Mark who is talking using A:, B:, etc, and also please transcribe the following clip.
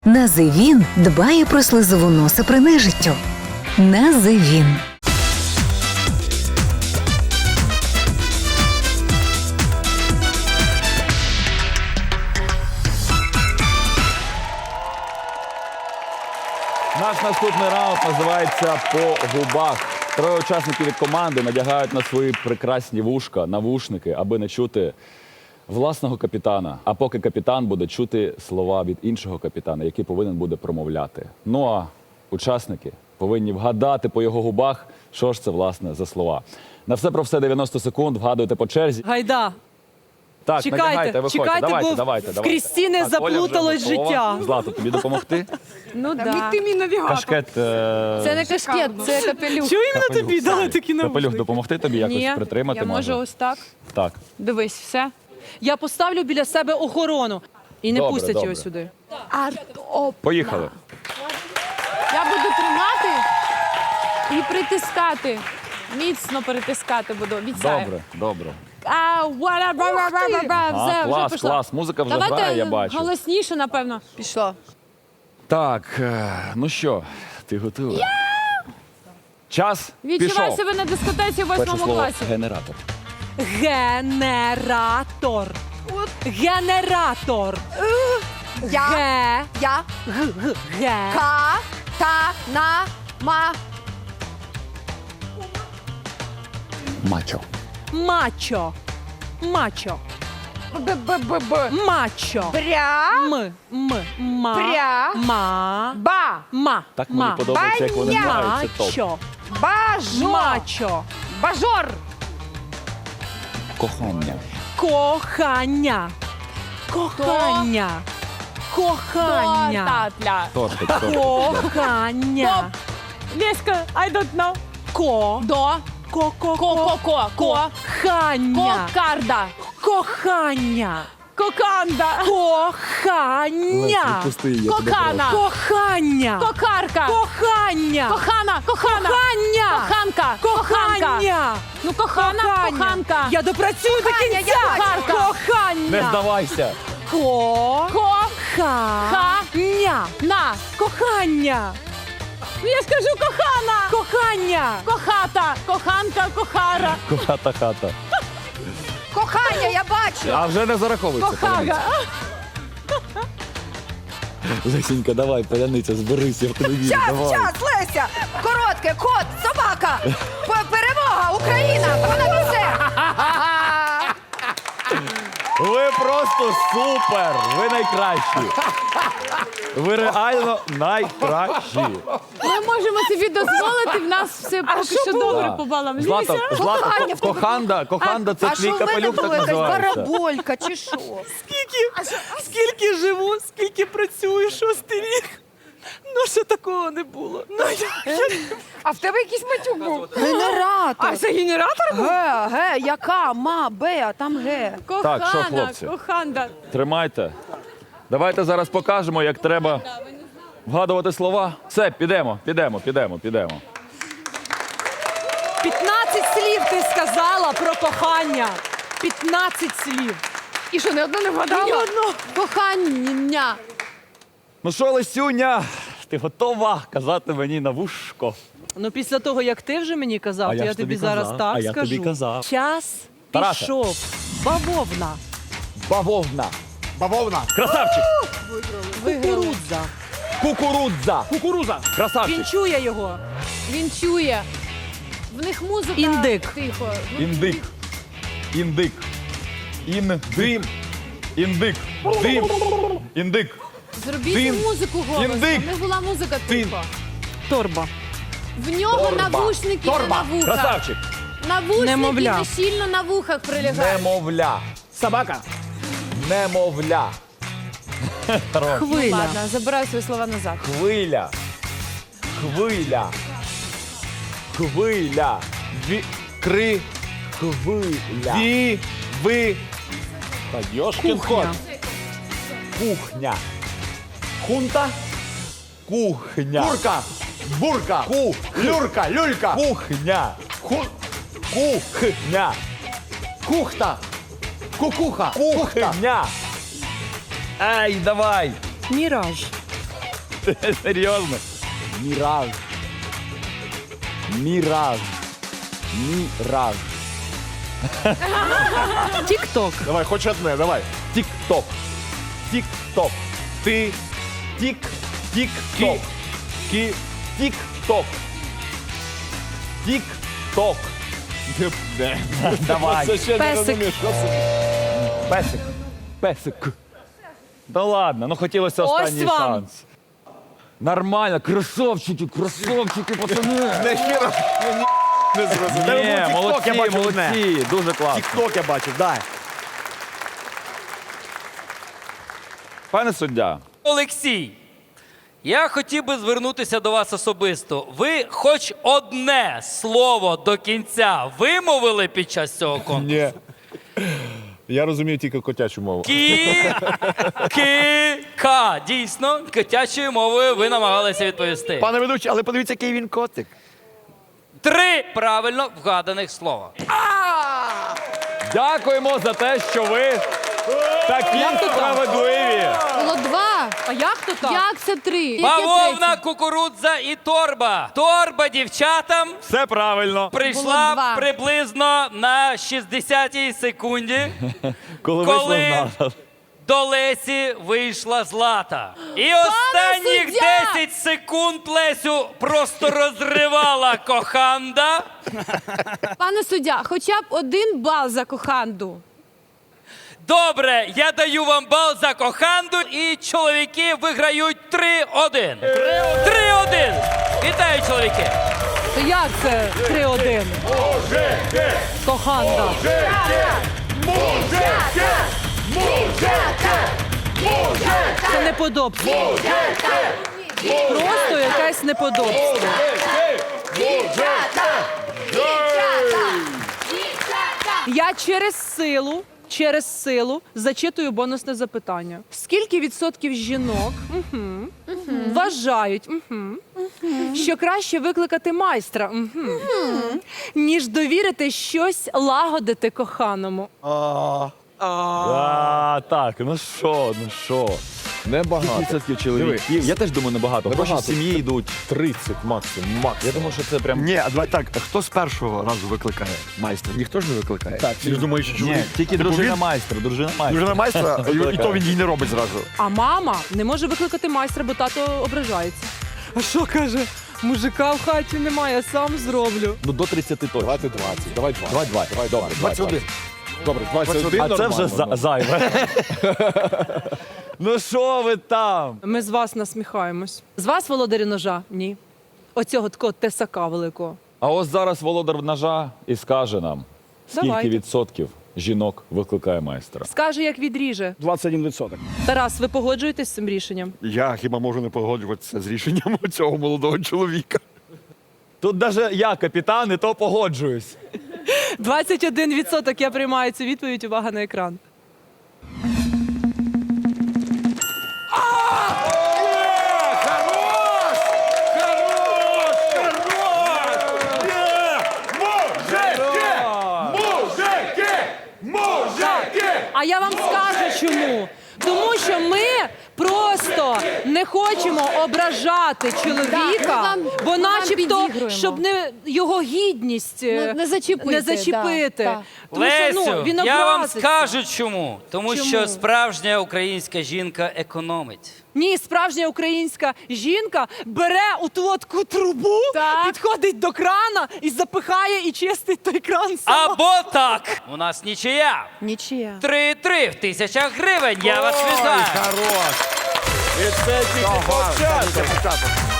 A: Називін дбає про слизову носа при нежиттю. Називін.
B: Наш наступний раунд називається «По губах». Троє учасників від команди надягають на свої прекрасні вушка навушники, аби не чути власного капітана. А поки капітан буде чути слова від іншого капітана, який повинен буде промовляти. Ну а учасники повинні вгадати по його губах, що ж це, власне, за слова. На все про все 90 секунд, вгадуйте по черзі.
C: Гайда,
B: Так, надягайте,
C: чекайте,
B: виходьте.
C: чекайте,
B: Давайте,
C: бо
B: давайте.
C: в Крістіни
B: Так, Оля вже
C: заплуталось
B: готова.
C: життя.
B: Злато, тобі допомогти?
C: Ну
D: Та
C: да.
D: ти мій навігатор.
B: Кашкет.
D: Це не кашкет, це капелюх.
C: Чого іменно тобі дали такі
B: Капелюх
C: навушники?
B: допомогти тобі якось
D: Ні,
B: притримати
D: я можу ось так.
B: Так.
D: Дивись, все.
C: Я поставлю біля себе охорону. І не
B: Добре,
C: пустять
B: добре.
C: його сюди.
B: Поїхали.
D: Я буду тримати і притискати. Міцно притискати буду. Обіцяю.
B: Добре, добре.
D: Все, вже
B: Клас,
D: пішло.
B: клас. Музика вже грає, я
D: Давайте
B: бачу.
D: голосніше, напевно. Пішло.
B: Так, ну що, ти готова? Час
D: Відчувай
B: пішов.
D: себе на дискотеці в
B: Перше
D: 8
B: слово
D: класі.
B: генератор.
C: Генератор. Генератор. Ге.
D: Я.
C: Ге.
D: Ка. Та. На. Ма.
B: Мачо.
C: Мачо. Мачо.
D: Б.
C: Мачо.
D: Бря.
C: Ма.
D: Пря.
C: Ма.
D: Ба.
C: Ма.
B: Так мені
C: Ма.
B: подобається, як вони
D: Баня.
B: грають, це топ.
C: Мачо.
D: Бажо.
C: Мачо.
D: Бажор.
B: Кохання.
C: Кохання. Кохання. Кохання.
D: Татля.
B: Тортик, тортик.
C: Кохання.
D: Леська, I don't know.
C: Ко.
D: До.
C: Ко. Кохання.
D: Кокарда.
C: Кохання.
D: Коканда.
C: Кохання.
B: Пусти її, я тебе
D: Кохана.
C: Кохання.
D: Кокарка.
C: Кохання.
D: Кохана. Кохана.
C: Кохання.
D: Коханка. Коханка.
C: Кохання.
D: Ну, кохана, коханка.
C: Я допрацюю до
D: Кохання,
C: кінця.
D: я бачу.
B: Не
C: Кохання.
B: здавайся.
C: Кохання.
D: На.
C: Кохання.
D: Ну, я скажу кохана.
C: Кохання.
D: Кохата. Коханка. Кохара.
B: Хата, хата.
D: Кохання, я бачу.
B: А вже не зараховується.
D: Кохага.
B: Лесенька, давай, паляниця, зберися, я в тебе вірю. Давай.
D: Час, Леся. Коротке, кот, собака. Перемога, Україна. Вона все.
B: Ви просто супер! Ви найкращі! Ви реально найкращі!
D: Ми можемо собі дозволити, в нас все поки що добре по балам.
B: Злата,
D: Кохання.
B: коханда, це твій капелюх так називається.
D: бараболька чи що?
C: Скільки живу, скільки працюю, 6-й рік. Ну, ще такого не було. Ну,
D: А в тебе якийсь матюк був? Генератор.
C: А це генератор був?
D: Яка? Ма, Б, а там Г.
B: Так, що, хлопці?
D: Коханда.
B: Тримайте. Давайте зараз покажемо, як треба вгадувати слова. Все, підемо.
C: 15 слів ти сказала про кохання. 15 слів.
D: І що, не одну не вгадала?
C: Ні одну.
D: Кохання.
B: Ну що, Лесюня, ти готова казати мені на вушко?
C: Ну, після того, як ти вже мені казав,
B: А
C: то
B: я
C: я
B: ж
C: тобі
B: тобі
C: зараз
B: казав,
C: так
B: а я
C: скажу.
B: тобі казав.
C: Час
B: Тараса.
C: пішов. Бавовна.
B: Бавовна.
E: Бавовна.
B: Красавчик.
C: Кукурудза.
B: Кукурудза. Кукуруза. Красавчик.
C: Він чує його.
D: Він чує. В них музика.
C: Індик.
D: Тихо.
B: Індик. Індик. Індим. Індик. Дим. Індик.
D: Зробіть
B: Дин.
D: музику голосно.
B: Індик.
D: В них була музика
B: Дин.
D: тихо.
C: Торба.
D: В нього навушники не на вухах.
B: Красавчик.
D: Навушники
C: Немовля.
D: не щільно на вухах прилягають.
B: Немовля.
E: Собака.
B: Немовля.
C: Хвиля.
D: Ладно, забираю свої слова назад.
B: Хвиля. Хвиля. Хвиля. Хвиля. Ви. Та йошкін кот.
C: Кухня.
B: Кухня. Хунта. Кухня.
E: Курка. Бурка. Люрка. Люлька.
B: Кухня. Кухня.
E: Кухта. Кукуха. Кухта.
B: Кухня. Ай, давай.
C: Міраж.
B: Серйозно?
E: Міраж. Міраж. Міраж.
C: Тік-ток.
E: Давай, хоч одне, давай.
B: Тік-ток. Тік-ток. Ти. Тік. Тік-ток. Кі. Тік-ток. Тік-ток. Давай.
E: Це ще не
C: Песик.
E: розумію, що це.
B: Песик. Песик. Да ладно, ну хотілося
C: Ось
B: останній
C: вам.
B: шанс. Нормально, красавчики, пацани.
E: Не щиро. Не зрозумів.
B: Ні,
E: Тік-ток я бачив одне.
B: молодці, дуже класно.
E: Тік-ток я бачив, дай.
B: Пане суддя,
F: Олексій, я хотів би звернутися до вас особисто. Ви хоч одне слово до кінця вимовили під час цього конкурсу?
E: Ні. Я розумію тільки котячу мову.
F: Ка. Дійсно, котячою мовою ви намагалися відповісти.
E: Пане ведучий, але подивіться, який він котик.
F: 3 правильно вгаданих слова.
B: дякуємо за те, що ви такі справедливі.
G: Було 2.
C: А як то так?
G: Як це 3? Яке
F: Бавовна,
G: третє?
F: кукурудза і торба. Торба дівчатам
B: Все правильно.
F: прийшла
G: два.
F: приблизно на 60-й секунді.
B: Коли
F: Коли
B: вийшла з нас.
F: до Лесі вийшла Злата. І останніх
G: суддя!
F: 10 секунд Лесю просто розривала коханда.
G: Пане суддя, хоча б 1 бал за коханду.
F: Добре, я даю вам бал за коханду, і чоловіки виграють 3-1. 3-1. Вітаю, чоловіки.
C: То як це 3-1? Коханда. Це неподобство. Просто якесь неподобство. Я через силу зачитую бонусне запитання. Скільки відсотків жінок вважають, що краще викликати майстра, ніж довірити щось лагодити коханому?
B: Так, ну що?
E: Небагато.
B: 30% чоловіків. Я теж думаю, небагато. Гроші
E: Небагато.
B: в сім'ї йдуть.
E: 30 максимум.
B: Я думаю, що це прям...
H: Ні, а давай так, хто з першого разу викликає майстра? Ніхто ж не викликає.
E: Так,
H: Ти ж думаєш, що
B: Ні,
H: чоловік?
B: тільки
H: Типу,
B: дружина
H: він-
B: майстра,
H: Дружина майстра, і
B: Викликає.
H: то він їй не робить зразу.
C: А мама не може викликати майстра, бо тато ображається. А що каже? Мужика в хаті немає, сам зроблю.
B: Ну, до 30 точно.
E: Давайте 20. Давай 20.
B: Давай 20.
E: Давай, добре.
H: 21.
E: Добре, 21
B: А це вже
E: нормально.
B: зайве. Ну що ви там?
C: Ми з вас насміхаємось. З вас, володарі ножа? Ні. Оцього такого тесака великого.
B: А ось зараз володар ножа і скаже нам, скільки
C: Давайте.
B: відсотків жінок викликає майстра.
C: Скаже, як відріже.
E: 21%.
C: Тарас, ви погоджуєтесь з цим рішенням?
H: Я хіба можу не погоджуватися з рішенням цього молодого чоловіка.
B: Тут навіть я, капітан, і то погоджуюсь.
C: 21% я приймаю цю відповідь. Увага на екран. А я вам скажу чому. Тому що ми просто не хочемо ображати чоловіка,
G: вам-
C: бо
G: ми вам
C: начебто,
G: підігруємо.
C: щоб не його гідність
G: Не зачепити,
C: не зачепити.
G: да.
C: Тому що,
F: Лесю,
C: він
F: я вам
C: образиться.
F: скажу чому. Тому
C: Чому?
F: що справжня українська жінка економить.
C: Ні, справжня українська жінка бере у ту таку трубу,
G: Так.
C: підходить до крана і запихає і чистить той кран сама.
F: Або так. У нас нічия.
G: Нічия.
F: 3-3 в 1000 гривень. Я вас вітаю.
E: Хорош.
B: І це тільки початок.
E: Початок.